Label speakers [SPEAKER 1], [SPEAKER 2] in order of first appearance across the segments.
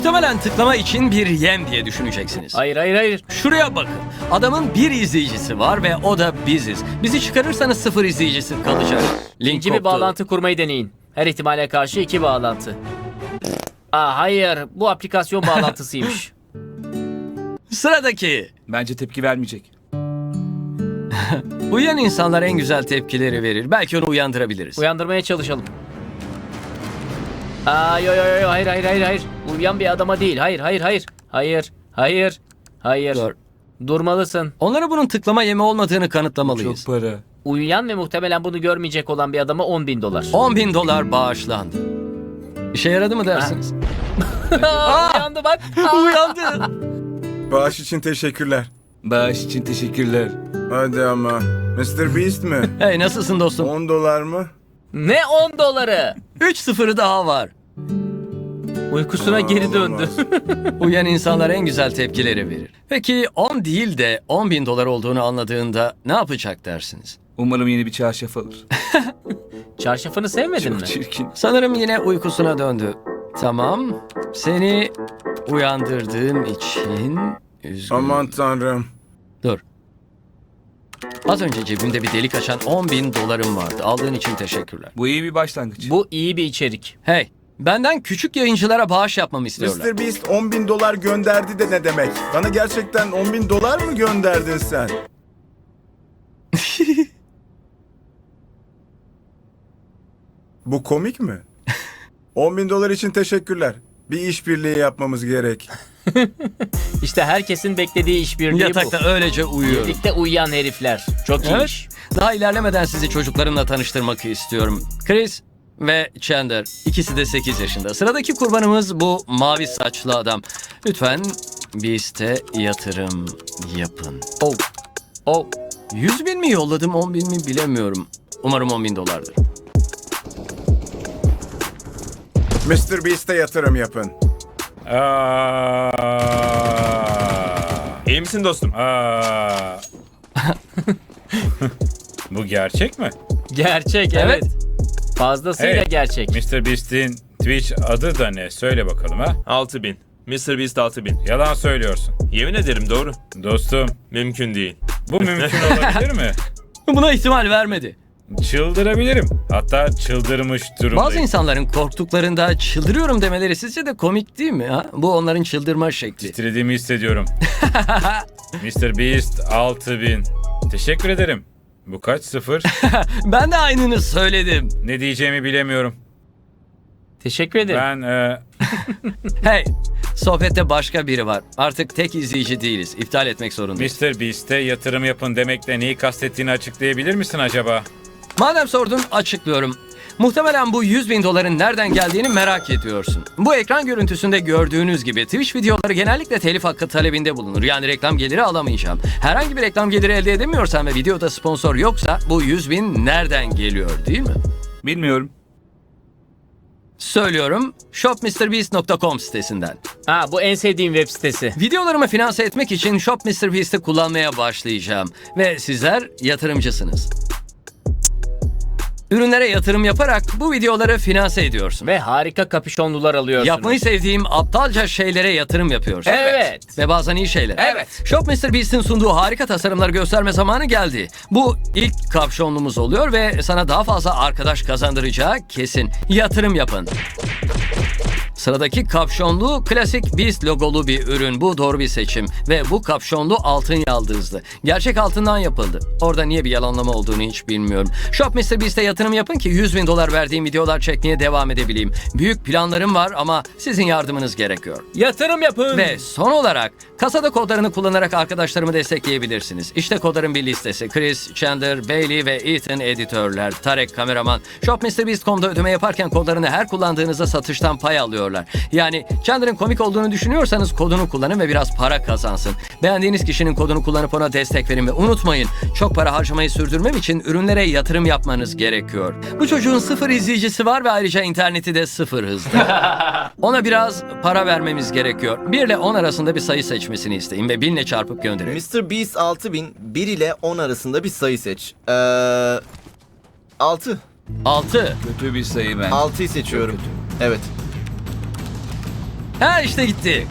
[SPEAKER 1] Muhtemelen tıklama için bir yem diye düşüneceksiniz.
[SPEAKER 2] Hayır hayır hayır.
[SPEAKER 1] Şuraya bakın. Adamın bir izleyicisi var ve o da biziz. Bizi çıkarırsanız 0 izleyicisi kalacak. Link
[SPEAKER 2] İkinci bir
[SPEAKER 1] koptu.
[SPEAKER 2] bağlantı kurmayı deneyin. Her ihtimale karşı 2 bağlantı. Hayır, bu aplikasyon bağlantısıymış.
[SPEAKER 1] Sıradaki.
[SPEAKER 3] Bence tepki vermeyecek.
[SPEAKER 1] Uyuyan insanlar en güzel tepkileri verir. Belki onu uyandırabiliriz.
[SPEAKER 2] Uyandırmaya çalışalım. Yo yo yo, hayır hayır hayır hayır. Uyuyan bir adama değil. Hayır hayır hayır. Hayır hayır hayır.
[SPEAKER 1] Dur.
[SPEAKER 2] Durmalısın.
[SPEAKER 1] Onlara bunun tıklama yemi olmadığını kanıtlamalıyız.
[SPEAKER 3] Çok para.
[SPEAKER 2] Uyuyan ve muhtemelen bunu görmeyecek olan bir adama $10.000.
[SPEAKER 1] $10.000 bağışlandı. İşe yaradı mı dersiniz?
[SPEAKER 2] Uyandı bak.
[SPEAKER 1] Uyandı.
[SPEAKER 4] Bağış için teşekkürler.
[SPEAKER 3] Bağış için teşekkürler.
[SPEAKER 4] Hadi ama. Mr. Beast mi?
[SPEAKER 1] Hey, nasılsın dostum?
[SPEAKER 4] $10 mı?
[SPEAKER 2] Ne $10?
[SPEAKER 1] 3-0'ı daha var.
[SPEAKER 2] Uykusuna geri döndü.
[SPEAKER 4] Olamaz.
[SPEAKER 1] Uyan insanlar en güzel tepkileri verir. Peki 10 değil de $10.000 olduğunu anladığında ne yapacak dersiniz?
[SPEAKER 3] Umarım yeni bir çarşaf alır.
[SPEAKER 2] Çarşafını sevmedin mi?
[SPEAKER 3] Çok çirkin.
[SPEAKER 1] Sanırım yine uykusuna döndü. Tamam. Seni uyandırdığım için üzgünüm.
[SPEAKER 4] Aman tanrım.
[SPEAKER 1] Dur. Az önce cebimde bir delik açan $10.000 vardı. Aldığın için teşekkürler.
[SPEAKER 3] Bu iyi bir başlangıç.
[SPEAKER 2] Bu iyi bir içerik.
[SPEAKER 1] Hey, benden küçük yayıncılara bağış yapmamı istiyorlar.
[SPEAKER 4] Mr. Beast $10.000 gönderdi de ne demek? Bana gerçekten $10.000 mı gönderdin sen? Bu komik mi? $10.000 için teşekkürler. Bir işbirliği yapmamız gerek.
[SPEAKER 2] İşte herkesin beklediği işbirliği
[SPEAKER 1] Yatakta
[SPEAKER 2] bu.
[SPEAKER 1] öylece uyuyorum.
[SPEAKER 2] Birlikte uyuyan herifler. Çok
[SPEAKER 1] Evet.
[SPEAKER 2] iyiymiş.
[SPEAKER 1] Daha ilerlemeden sizi çocuklarımla tanıştırmak istiyorum. Chris ve Chandler. İkisi de 8 yaşında. Sıradaki kurbanımız bu mavi saçlı adam. Lütfen Beast'e yatırım yapın.
[SPEAKER 2] Oh.
[SPEAKER 1] 100.000 mi yolladım, 10.000 mi bilemiyorum. Umarım $10.000'dır.
[SPEAKER 4] Mr. Beast'e yatırım yapın.
[SPEAKER 5] İyi misin dostum? Bu gerçek mi?
[SPEAKER 2] Gerçek evet. Fazlasıyla
[SPEAKER 5] Hey,
[SPEAKER 2] gerçek.
[SPEAKER 5] Mr. Beast'in Twitch adı da ne? Söyle bakalım ha.
[SPEAKER 6] 6000. Mr. Beast 6000.
[SPEAKER 5] Yalan söylüyorsun.
[SPEAKER 6] Yemin ederim doğru.
[SPEAKER 5] Dostum,
[SPEAKER 6] Mümkün değil.
[SPEAKER 5] bu mümkün olabilir mi?
[SPEAKER 1] Buna ihtimal vermedi.
[SPEAKER 5] Çıldırabilirim. Hatta çıldırmış durumdayım.
[SPEAKER 1] Bazı insanların korktuklarında çıldırıyorum demeleri sizce de komik değil mi? Ha? Bu onların çıldırma şekli.
[SPEAKER 5] Titrediğimi hissediyorum. Mr. Beast 6000. Teşekkür ederim. Bu kaç sıfır?
[SPEAKER 1] Ben de aynını söyledim.
[SPEAKER 5] Ne diyeceğimi bilemiyorum.
[SPEAKER 2] Teşekkür ederim.
[SPEAKER 5] Ben
[SPEAKER 1] Hey, sohbette başka biri var. Artık tek izleyici değiliz. İptal etmek zorundayız.
[SPEAKER 5] Mr. Beast'e yatırım yapın demekle neyi kastettiğini açıklayabilir misin acaba?
[SPEAKER 1] Madem sordun, açıklıyorum. Muhtemelen bu $100.000 nereden geldiğini merak ediyorsun. Bu ekran görüntüsünde gördüğünüz gibi Twitch videoları genellikle telif hakkı talebinde bulunur. Yani reklam geliri alamayacağım. Herhangi bir reklam geliri elde edemiyorsan ve videoda sponsor yoksa bu 100.000 nereden geliyor değil mi?
[SPEAKER 3] Bilmiyorum.
[SPEAKER 1] Söylüyorum, shopmrbeast.com sitesinden.
[SPEAKER 2] Bu en sevdiğim web sitesi.
[SPEAKER 1] Videolarımı finanse etmek için ShopMrBeast'i kullanmaya başlayacağım. Ve sizler yatırımcısınız. Ürünlere yatırım yaparak bu videoları finanse ediyorsun.
[SPEAKER 2] Ve harika kapüşonlular alıyorsunuz.
[SPEAKER 1] Yapmayı sevdiğim aptalca şeylere yatırım yapıyorsun.
[SPEAKER 2] Evet.
[SPEAKER 1] Ve bazen iyi şeyler.
[SPEAKER 2] Evet.
[SPEAKER 1] ShopMrBeast'in sunduğu harika tasarımları gösterme zamanı geldi. Bu ilk kapşonlumuz oluyor ve sana daha fazla arkadaş kazandıracağı kesin. Yatırım yapın. Sıradaki kapşonlu klasik Beast logolu bir ürün. Bu doğru bir seçim. Ve bu kapşonlu altın yaldızlı. Gerçek altından yapıldı. Orada niye bir yalanlama olduğunu hiç bilmiyorum. ShopMrBeast'e yatırım yapın ki $100.000 verdiğim videolar çekmeye devam edebileyim. Büyük planlarım var ama sizin yardımınız gerekiyor.
[SPEAKER 2] Yatırım yapın.
[SPEAKER 1] Ve son olarak kasada kodlarını kullanarak arkadaşlarımı destekleyebilirsiniz. İşte kodların bir listesi. Chris, Chandler, Bailey ve Ethan editörler. Tarek kameraman. ShopMrBeast.com'da ödeme yaparken kodlarını her kullandığınızda satıştan pay alıyorlar. Yani Chandler'ın komik olduğunu düşünüyorsanız kodunu kullanın ve biraz para kazansın. Beğendiğiniz kişinin kodunu kullanıp ona destek verin ve unutmayın, çok para harcamayı sürdürmem için ürünlere yatırım yapmanız gerekiyor. Bu çocuğun 0 izleyicisi var ve ayrıca interneti de 0 hızda. Ona biraz para vermemiz gerekiyor. 1 ile 10 arasında bir sayı seçmesini isteyin ve 1000 ile çarpıp gönderin.
[SPEAKER 7] Mr. Beast 6000, 1 ile 10 arasında bir sayı seç. 6.
[SPEAKER 1] 6.
[SPEAKER 3] Kötü bir sayı bence.
[SPEAKER 7] 6'yı seçiyorum. Evet.
[SPEAKER 1] Ha işte gitti.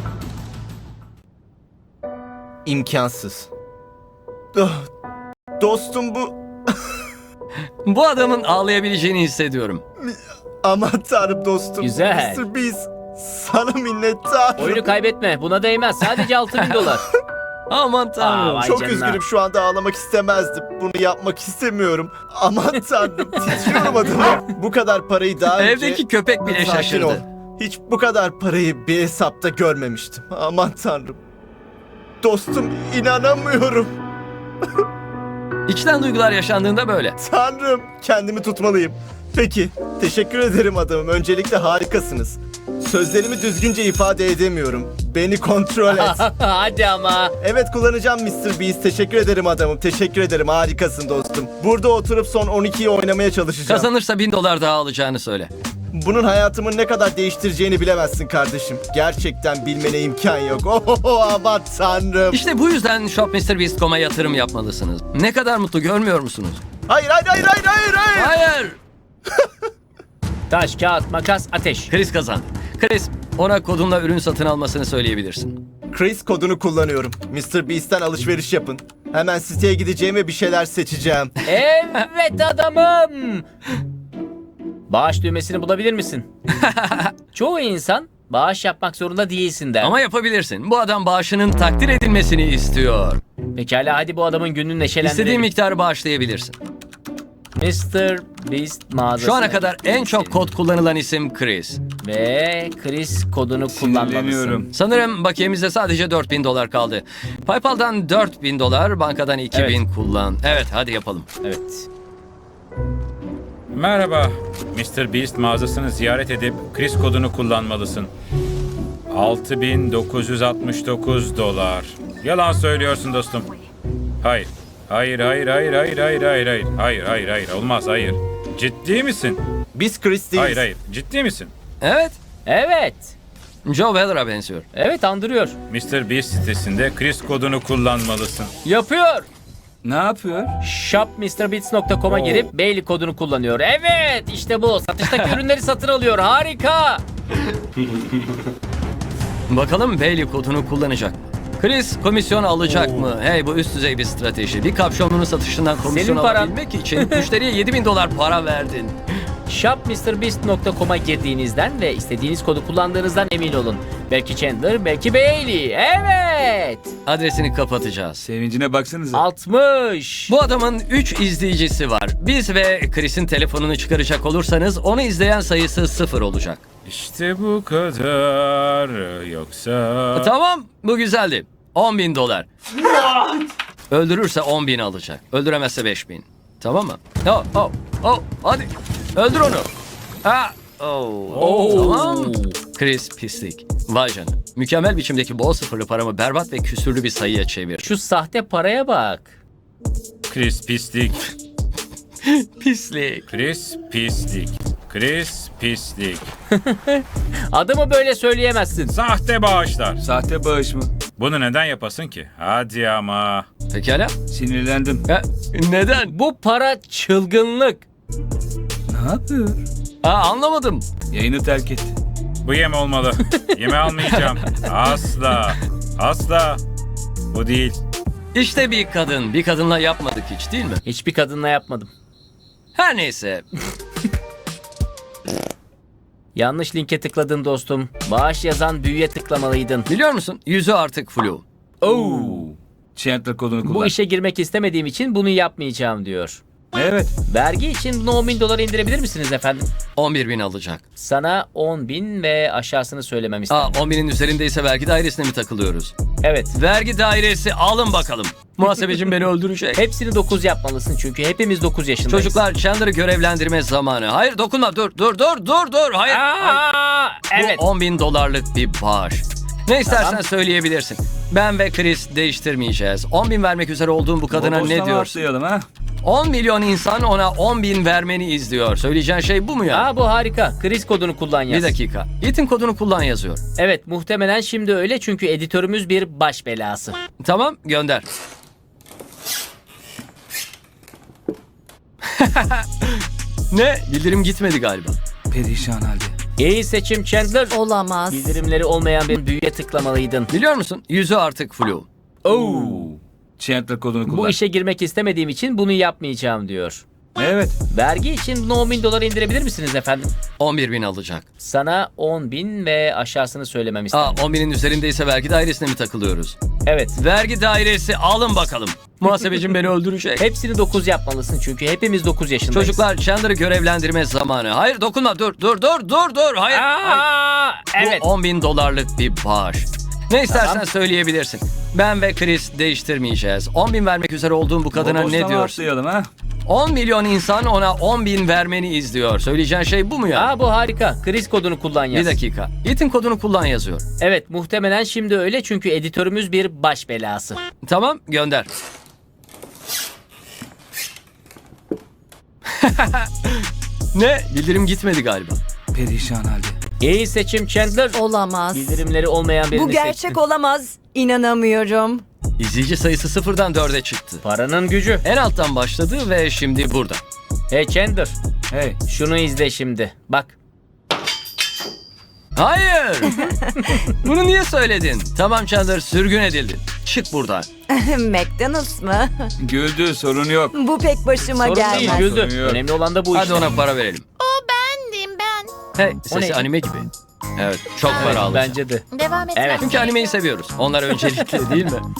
[SPEAKER 7] İmkansız. Ah, dostum bu.
[SPEAKER 1] Bu adamın ağlayabileceğini hissediyorum.
[SPEAKER 7] Aman tanrım dostum.
[SPEAKER 2] Güzel.
[SPEAKER 7] Mr. Beast. Sana minnettarım.
[SPEAKER 2] Oyunu kaybetme. Buna değmez. Sadece 6000 dolar.
[SPEAKER 1] Aman tanrım.
[SPEAKER 2] Vay
[SPEAKER 7] Çok
[SPEAKER 2] canına.
[SPEAKER 7] üzgünüm, şu anda ağlamak istemezdim. Bunu yapmak istemiyorum. Aman tanrım, titriyorum adamım. Bu kadar parayı daha önce...
[SPEAKER 1] Evdeki köpek bile
[SPEAKER 7] Sakin ol.
[SPEAKER 1] şaşırdı.
[SPEAKER 7] Hiç bu kadar parayı bir hesapta görmemiştim. Aman tanrım. Dostum, inanamıyorum.
[SPEAKER 1] İçten duygular yaşandığında böyle.
[SPEAKER 7] Tanrım, kendimi tutmalıyım. Peki, teşekkür ederim adamım. Öncelikle harikasınız. Sözlerimi düzgünce ifade edemiyorum. Beni kontrol et.
[SPEAKER 2] Hadi ama.
[SPEAKER 7] Evet, kullanacağım Mr. Beast. Teşekkür ederim adamım. Teşekkür ederim. Harikasın dostum. Burada oturup son 12'yi oynamaya çalışacağım.
[SPEAKER 1] Kazanırsa 1000 dolar daha alacağını söyle.
[SPEAKER 7] Bunun hayatımın ne kadar değiştireceğini bilemezsin kardeşim. Gerçekten bilmene imkan yok. Oh aman tanrım.
[SPEAKER 1] İşte bu yüzden shopmrbeast.com'a yatırım yapmalısınız. Ne kadar mutlu görmüyor musunuz?
[SPEAKER 7] Hayır.
[SPEAKER 1] Hayır.
[SPEAKER 2] Taş, kağıt, makas, ateş.
[SPEAKER 1] Chris kazandı. Chris, ona kodunla ürün satın almasını söyleyebilirsin.
[SPEAKER 7] Chris kodunu kullanıyorum. Mr. Beast'ten alışveriş yapın. Hemen siteye gideceğim ve bir şeyler seçeceğim.
[SPEAKER 2] Evet adamım. Bağış düğmesini bulabilir misin? Çoğu insan bağış yapmak zorunda değilsin der.
[SPEAKER 1] Ama yapabilirsin. Bu adam bağışının takdir edilmesini istiyor.
[SPEAKER 2] Pekala hadi bu adamın gününü neşelendirelim.
[SPEAKER 1] İstediğin miktarı bağışlayabilirsin.
[SPEAKER 2] Mr. Beast mağazası.
[SPEAKER 1] Şu ana kadar en çok kod kullanılan isim Chris.
[SPEAKER 2] Ve Chris kodunu kullanmalısın.
[SPEAKER 3] Sinirleniyorum.
[SPEAKER 1] Sanırım bakiyemizde sadece 4000 dolar kaldı. PayPal'dan 4000 dolar, bankadan 2000 kullan. Evet, hadi yapalım.
[SPEAKER 2] Evet.
[SPEAKER 5] Merhaba. Mr. Beast mağazasını ziyaret edip Chris kodunu kullanmalısın. 6969 dolar. Yalan söylüyorsun dostum. Hayır. Hayır. Hayır. Olmaz, hayır. Ciddi misin?
[SPEAKER 7] Biz Chris değiliz.
[SPEAKER 5] Hayır. Ciddi misin?
[SPEAKER 1] Evet,
[SPEAKER 2] Evet.
[SPEAKER 1] Joe Weller'a benziyor.
[SPEAKER 2] Evet andırıyor.
[SPEAKER 5] Mr. Beast sitesinde Chris kodunu kullanmalısın.
[SPEAKER 2] Yapıyor.
[SPEAKER 3] Ne yapıyor?
[SPEAKER 2] shopmrbeats.com'a girip Bailey kodunu kullanıyor. Evet işte bu. Satıştaki ürünleri satın alıyor. Harika.
[SPEAKER 1] Bakalım Bailey kodunu kullanacak mı? Chris komisyon alacak mı? Hey, bu üst düzey bir strateji. Bir kapşonunun satışından komisyon
[SPEAKER 2] Senin paran.
[SPEAKER 1] alabilmek için müşteriye 7000 dolar para verdin.
[SPEAKER 2] shopmrbeast.com'a girdiğinizden ve istediğiniz kodu kullandığınızdan emin olun. Belki Chandler, belki Bailey. Evet.
[SPEAKER 1] Adresini kapatacağız.
[SPEAKER 3] Sevincine baksanıza.
[SPEAKER 2] 60.
[SPEAKER 1] Bu adamın 3 izleyicisi var. Biz ve Chris'in telefonunu çıkaracak olursanız onu izleyen sayısı 0 olacak.
[SPEAKER 5] İşte bu kadar. Yoksa...
[SPEAKER 1] Tamam, bu güzeldi. 10.000 dolar. Öldürürse 10.000 alacak. Öldüremezse 5.000. Tamam mı? Hadi. Öldür onu. Tamam. Chris pislik. Vay canına. Mükemmel biçimdeki bol sıfırlı paramı berbat ve küsürlü bir sayıya çevir.
[SPEAKER 2] Şu sahte paraya bak.
[SPEAKER 5] Chris pislik.
[SPEAKER 1] Pislik.
[SPEAKER 5] Chris pislik.
[SPEAKER 2] Adamı böyle söyleyemezsin.
[SPEAKER 5] Sahte bağışlar.
[SPEAKER 3] Sahte bağış mı?
[SPEAKER 5] Bunu neden yapasın ki? Hadi ama.
[SPEAKER 1] Pekala.
[SPEAKER 3] Sinirlendim.
[SPEAKER 1] Neden?
[SPEAKER 2] Bu para çılgınlık.
[SPEAKER 3] Ne yapıyor?
[SPEAKER 1] Anlamadım.
[SPEAKER 3] Yayını terk etti.
[SPEAKER 5] Bu yem olmalı. Yeme almayacağım. Asla. Bu değil.
[SPEAKER 1] İşte bir kadın. Bir kadınla yapmadık hiç, değil mi?
[SPEAKER 2] Hiçbir kadınla yapmadım.
[SPEAKER 1] Her neyse.
[SPEAKER 2] Yanlış linke tıkladın dostum. Bağış yazan büyüye tıklamalıydın.
[SPEAKER 1] Biliyor musun? Yüzü artık flu.
[SPEAKER 3] Chandler kodunu kullan.
[SPEAKER 2] Bu işe girmek istemediğim için bunu yapmayacağım diyor.
[SPEAKER 3] Evet.
[SPEAKER 2] Vergi için bunu 10.000 dolara indirebilir misiniz efendim?
[SPEAKER 1] 11.000 alacak.
[SPEAKER 2] Sana 10.000 ve aşağısını söylemem istedim.
[SPEAKER 1] 10.000'in üzerindeyse vergi dairesine mi takılıyoruz?
[SPEAKER 2] Evet.
[SPEAKER 1] Vergi dairesi alın bakalım. Muhasebecim beni öldürecek.
[SPEAKER 2] Hepsini 9 yapmalısın çünkü hepimiz 9 yaşındayız.
[SPEAKER 1] Çocuklar, Chandler'ı görevlendirme zamanı. Hayır, dokunma. Dur. Hayır.
[SPEAKER 2] Aa, evet.
[SPEAKER 1] Bu 10.000 dolarlık bir bağış. Ne istersen söyleyebilirsin. Ben ve Chris değiştirmeyeceğiz. 10.000 vermek üzere olduğum bu kadına ne
[SPEAKER 3] Boşlama
[SPEAKER 1] diyorsun?
[SPEAKER 3] atlayalım ha.
[SPEAKER 1] 10 milyon insan ona 10.000 vermeni izliyor. Söyleyeceğin şey bu mu ya?
[SPEAKER 2] Bu harika. Chris kodunu kullan yaz.
[SPEAKER 1] Bir dakika. Ethan kodunu kullan yazıyor.
[SPEAKER 2] Evet muhtemelen şimdi öyle çünkü editörümüz bir baş belası.
[SPEAKER 1] Tamam, gönder. Ne? Bildirim gitmedi galiba.
[SPEAKER 3] Perişan halde.
[SPEAKER 2] İyi seçim Chandler.
[SPEAKER 8] Olamaz.
[SPEAKER 2] Bildirimleri olmayan bir büyüye tıklamalıydın.
[SPEAKER 1] Biliyor musun? Yüzü artık flu.
[SPEAKER 2] Oo.
[SPEAKER 3] Chandler kodunu kullan.
[SPEAKER 2] Bu işe girmek istemediğim için bunu yapmayacağım diyor.
[SPEAKER 3] Evet.
[SPEAKER 2] Vergi için bunu 10 bin dolara indirebilir misiniz efendim?
[SPEAKER 1] 11.000 alacak.
[SPEAKER 2] Sana 10 bin ve aşağısını söylemem
[SPEAKER 1] Aa,
[SPEAKER 2] istedim.
[SPEAKER 1] 10.000'in üzerindeyse vergi dairesine mi takılıyoruz?
[SPEAKER 2] Evet.
[SPEAKER 1] Vergi dairesi alın bakalım. Muhasebecim beni öldürecek.
[SPEAKER 2] Hepsini 9 yapmalısın çünkü hepimiz 9 yaşındayız.
[SPEAKER 1] Çocuklar, Chandler'ı görevlendirme zamanı. Hayır, dokunma, dur. Hayır. Hayır.
[SPEAKER 2] Aa, evet.
[SPEAKER 1] Bu 10.000 dolarlık bir bağış. Ne istersen söyleyebilirsin. Ben ve Chris değiştirmeyeceğiz. 10.000 vermek üzere olduğum bu kadına
[SPEAKER 3] Bodoslama
[SPEAKER 1] ne diyorsun?
[SPEAKER 3] atlayalım ha.
[SPEAKER 1] 10 milyon insan ona 10.000 vermeni izliyor. Söyleyeceğin şey bu mu ya?
[SPEAKER 2] Aa, bu harika. Chris kodunu kullan yaz.
[SPEAKER 1] Bir dakika. Ethan kodunu kullan yazıyor.
[SPEAKER 2] Evet, muhtemelen şimdi öyle çünkü editörümüz bir baş belası.
[SPEAKER 1] Tamam, gönder. Ne? Bildirim gitmedi galiba.
[SPEAKER 3] Perişan halde.
[SPEAKER 2] İyi seçim Chandler.
[SPEAKER 8] Olamaz.
[SPEAKER 2] Bildirimleri olmayan birini
[SPEAKER 8] Bu gerçek
[SPEAKER 2] seçtin.
[SPEAKER 8] olamaz. İnanamıyorum.
[SPEAKER 1] İzleyici sayısı 0'dan 4'e çıktı.
[SPEAKER 2] Paranın gücü.
[SPEAKER 1] En alttan başladı ve şimdi burada.
[SPEAKER 2] Hey Chandler,
[SPEAKER 3] Hey.
[SPEAKER 2] şunu izle şimdi. Bak.
[SPEAKER 1] Hayır! Bunu niye söyledin? Tamam Chandler, sürgün edildin. Çık buradan.
[SPEAKER 8] McDonald's mı?
[SPEAKER 3] Güldü, sorun yok.
[SPEAKER 8] Bu pek başıma
[SPEAKER 2] Sorun
[SPEAKER 8] gelmez.
[SPEAKER 2] değil, güldü.
[SPEAKER 3] Sorun yok.
[SPEAKER 2] Önemli olan da bu
[SPEAKER 1] Hadi
[SPEAKER 2] işte.
[SPEAKER 1] ona para verelim.
[SPEAKER 9] Bendim ben.
[SPEAKER 1] Hey,
[SPEAKER 2] O
[SPEAKER 1] sesi
[SPEAKER 2] neydi?
[SPEAKER 1] anime gibi. Evet, çok
[SPEAKER 2] Evet,
[SPEAKER 1] para alacak.
[SPEAKER 2] bence de.
[SPEAKER 9] Devam et.
[SPEAKER 2] Evet.
[SPEAKER 1] Çünkü animeyi seviyoruz. Onlar öncelikli değil mi?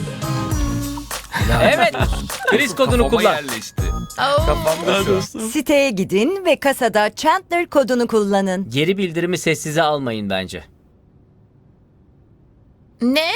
[SPEAKER 2] Evet. Chris kodunu
[SPEAKER 3] Kafama
[SPEAKER 2] kullan.
[SPEAKER 3] yerleşti.
[SPEAKER 9] Oo.
[SPEAKER 8] Siteye gidin ve kasada Chandler kodunu kullanın.
[SPEAKER 2] Geri bildirimi sessize almayın bence.
[SPEAKER 9] Ne?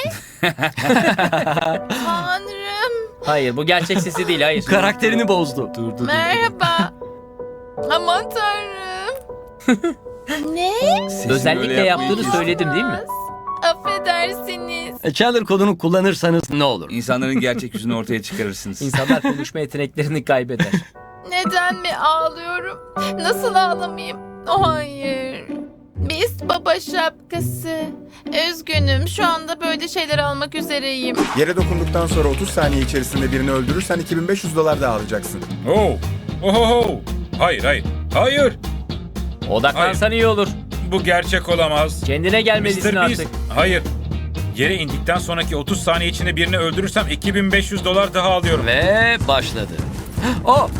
[SPEAKER 9] Tanrım.
[SPEAKER 2] Hayır, bu gerçek sesi değil, hayır.
[SPEAKER 1] Karakterini bozdu. Dur.
[SPEAKER 9] Merhaba. Aman tanrım. Ne?
[SPEAKER 3] Sesini
[SPEAKER 2] Özellikle
[SPEAKER 3] öyle
[SPEAKER 2] yaptığını
[SPEAKER 3] yapmayın.
[SPEAKER 2] söyledim değil mi?
[SPEAKER 9] Affedersiniz.
[SPEAKER 1] Chandler kodunu kullanırsanız ne olur?
[SPEAKER 3] İnsanların gerçek yüzünü ortaya çıkarırsınız.
[SPEAKER 2] İnsanlar konuşma yeteneklerini kaybeder.
[SPEAKER 9] Neden mi ağlıyorum? Nasıl ağlamayayım? Oh, hayır. Beast baba şapkası. Üzgünüm. Şu anda böyle şeyler almak üzereyim.
[SPEAKER 4] Yere dokunduktan sonra 30 saniye içerisinde birini öldürürsen 2500 dolar daha alacaksın.
[SPEAKER 5] Oh. Ohoho. Hayır.
[SPEAKER 2] Odaklansan iyi olur.
[SPEAKER 5] Bu gerçek olamaz.
[SPEAKER 2] Kendine gelmelisin
[SPEAKER 5] Mr. Beast.
[SPEAKER 2] artık.
[SPEAKER 5] Hayır. Yere indikten sonraki 30 saniye içinde birini öldürürsem 2500 dolar daha alıyorum.
[SPEAKER 1] Ve başladı. Oh!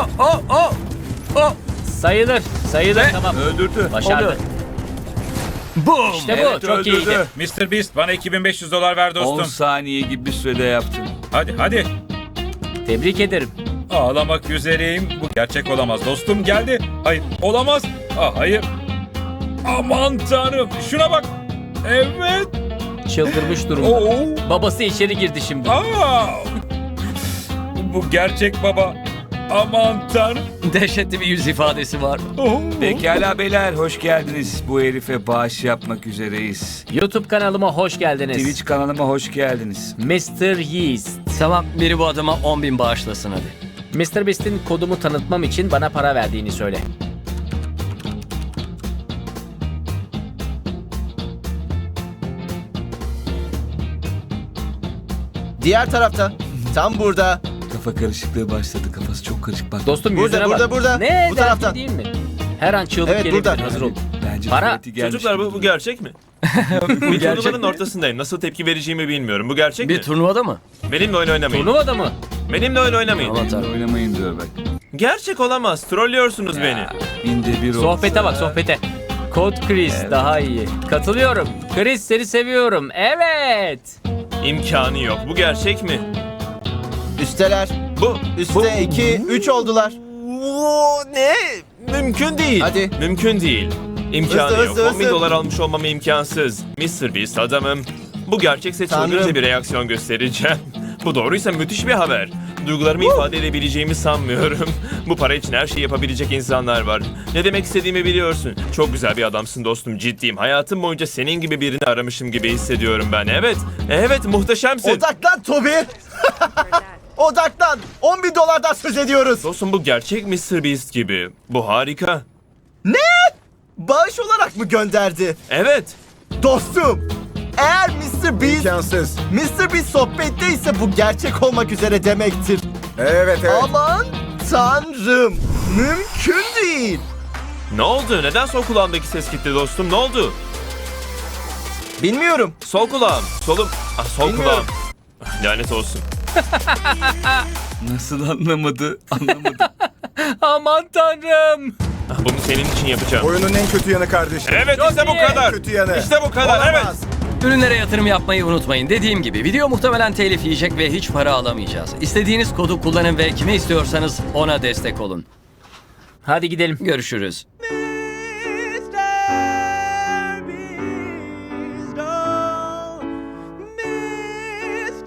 [SPEAKER 2] Sayılır.
[SPEAKER 1] Ve-
[SPEAKER 2] Tamam.
[SPEAKER 3] Öldürdü.
[SPEAKER 2] Başardı.
[SPEAKER 1] Boom!
[SPEAKER 2] İşte bu.
[SPEAKER 3] Evet,
[SPEAKER 2] Çok
[SPEAKER 3] öldürdü.
[SPEAKER 2] iyiydi.
[SPEAKER 5] Mr. Beast bana 2500 dolar ver
[SPEAKER 3] 10
[SPEAKER 5] dostum.
[SPEAKER 3] saniye gibi bir sürede yaptın.
[SPEAKER 5] Hadi.
[SPEAKER 2] Tebrik ederim.
[SPEAKER 5] Ağlamak üzereyim. Bu gerçek olamaz. Dostum geldi. Hayır. Olamaz. Hayır. Aman tanrım. Şuna bak. Evet.
[SPEAKER 2] Çıldırmış durumda.
[SPEAKER 5] Oo.
[SPEAKER 2] Babası içeri girdi şimdi.
[SPEAKER 5] Bu gerçek baba. Aman tanrım.
[SPEAKER 1] Dehşetli bir yüz ifadesi var.
[SPEAKER 3] Pekala beyler, hoş geldiniz. Bu herife bağış yapmak üzereyiz.
[SPEAKER 2] YouTube kanalıma hoş geldiniz.
[SPEAKER 3] Twitch kanalıma hoş geldiniz.
[SPEAKER 2] Mr. Yeast.
[SPEAKER 1] Tamam, biri bu adama 10.000 bağışlasın hadi.
[SPEAKER 2] Mr. Beast'in kodumu tanıtmam için bana para verdiğini söyle.
[SPEAKER 7] Diğer tarafta. Tam burada.
[SPEAKER 3] Kafa karışıklığı başladı. Kafası çok karışık bak.
[SPEAKER 2] Dostum
[SPEAKER 7] Burada,
[SPEAKER 2] yüzüne
[SPEAKER 7] burada,
[SPEAKER 2] bak.
[SPEAKER 7] burada.
[SPEAKER 2] Ne?
[SPEAKER 7] Bu
[SPEAKER 2] Derdi
[SPEAKER 7] taraftan.
[SPEAKER 2] değil mi? Her an çığlık
[SPEAKER 7] Evet,
[SPEAKER 2] gelebilir.
[SPEAKER 7] burada.
[SPEAKER 2] Hazır ol.
[SPEAKER 3] Bence
[SPEAKER 2] Para.
[SPEAKER 3] tuvaleti gelmiş
[SPEAKER 6] Çocuklar
[SPEAKER 3] gibi.
[SPEAKER 6] bu gerçek mi? Bir turnuvanın ortasındayım. Nasıl tepki vereceğimi bilmiyorum. Bu gerçek
[SPEAKER 1] Bir
[SPEAKER 6] mi?
[SPEAKER 1] turnuvada mı?
[SPEAKER 6] Benimle oyun oynamayın.
[SPEAKER 2] Turnuvada mı?
[SPEAKER 6] Benimle oyun oynamayın.
[SPEAKER 1] Aman
[SPEAKER 3] Benimle
[SPEAKER 1] tanrım.
[SPEAKER 3] oynamayın diyor bak.
[SPEAKER 6] Gerçek olamaz. Trollüyorsunuz beni.
[SPEAKER 3] Binde bir olsa.
[SPEAKER 2] Sohbete bak sohbete. Kod Chris daha iyi. Katılıyorum. Chris seni seviyorum. Evet.
[SPEAKER 6] İmkanı yok. Bu gerçek mi?
[SPEAKER 7] Üsteler.
[SPEAKER 6] Bu.
[SPEAKER 7] Üste 2, 3 oldular.
[SPEAKER 6] Ne? Mümkün değil.
[SPEAKER 7] Hadi.
[SPEAKER 6] Mümkün değil. İmkanı
[SPEAKER 7] Hızlı,
[SPEAKER 6] yok.
[SPEAKER 7] hızlı,
[SPEAKER 6] 10 bin
[SPEAKER 7] hızlı.
[SPEAKER 6] dolar almış olmam imkansız. Mr. Beast adamım. Bu gerçekse
[SPEAKER 7] Tanrım.
[SPEAKER 6] çılgınca bir reaksiyon göstereceğim. Bu doğruysa müthiş bir haber. Duygularımı ifade edebileceğimi sanmıyorum. Bu para için her şeyi yapabilecek insanlar var. Ne demek istediğimi biliyorsun. Çok güzel bir adamsın dostum, ciddiyim. Hayatım boyunca senin gibi birini aramışım gibi hissediyorum ben. Evet muhteşemsin.
[SPEAKER 7] Odaklan Toby. Odaklan. 10 bin dolardan söz ediyoruz.
[SPEAKER 6] Dostum bu gerçek Mr. Beast gibi. Bu harika.
[SPEAKER 7] Bağış olarak mı gönderdi?
[SPEAKER 6] Evet.
[SPEAKER 7] Dostum. Eğer Mr. Beast
[SPEAKER 4] İmkansız.
[SPEAKER 7] Mr. Beast sohbetteyse bu gerçek olmak üzere demektir.
[SPEAKER 4] Evet.
[SPEAKER 7] Aman tanrım. Mümkün değil.
[SPEAKER 6] Ne oldu? Neden sol kulağımdaki ses gitti dostum? Ne oldu?
[SPEAKER 7] Bilmiyorum.
[SPEAKER 6] Sol kulağım. Solum. Sol
[SPEAKER 7] Bilmiyorum.
[SPEAKER 6] kulağım. Lanet olsun.
[SPEAKER 3] Nasıl anlamadı? Anlamadı.
[SPEAKER 2] Aman tanrım.
[SPEAKER 6] Bunu senin için yapacağım.
[SPEAKER 4] Oyunun en kötü yanı kardeşim.
[SPEAKER 6] Evet işte bu
[SPEAKER 2] iyi.
[SPEAKER 6] kadar.
[SPEAKER 4] Kötü yanı.
[SPEAKER 6] İşte bu kadar. Evet.
[SPEAKER 7] Olamaz.
[SPEAKER 1] Ürünlere yatırım yapmayı unutmayın. Dediğim gibi video muhtemelen telif yiyecek ve hiç para alamayacağız. İstediğiniz kodu kullanın ve kime istiyorsanız ona destek olun.
[SPEAKER 2] Hadi gidelim.
[SPEAKER 1] Görüşürüz.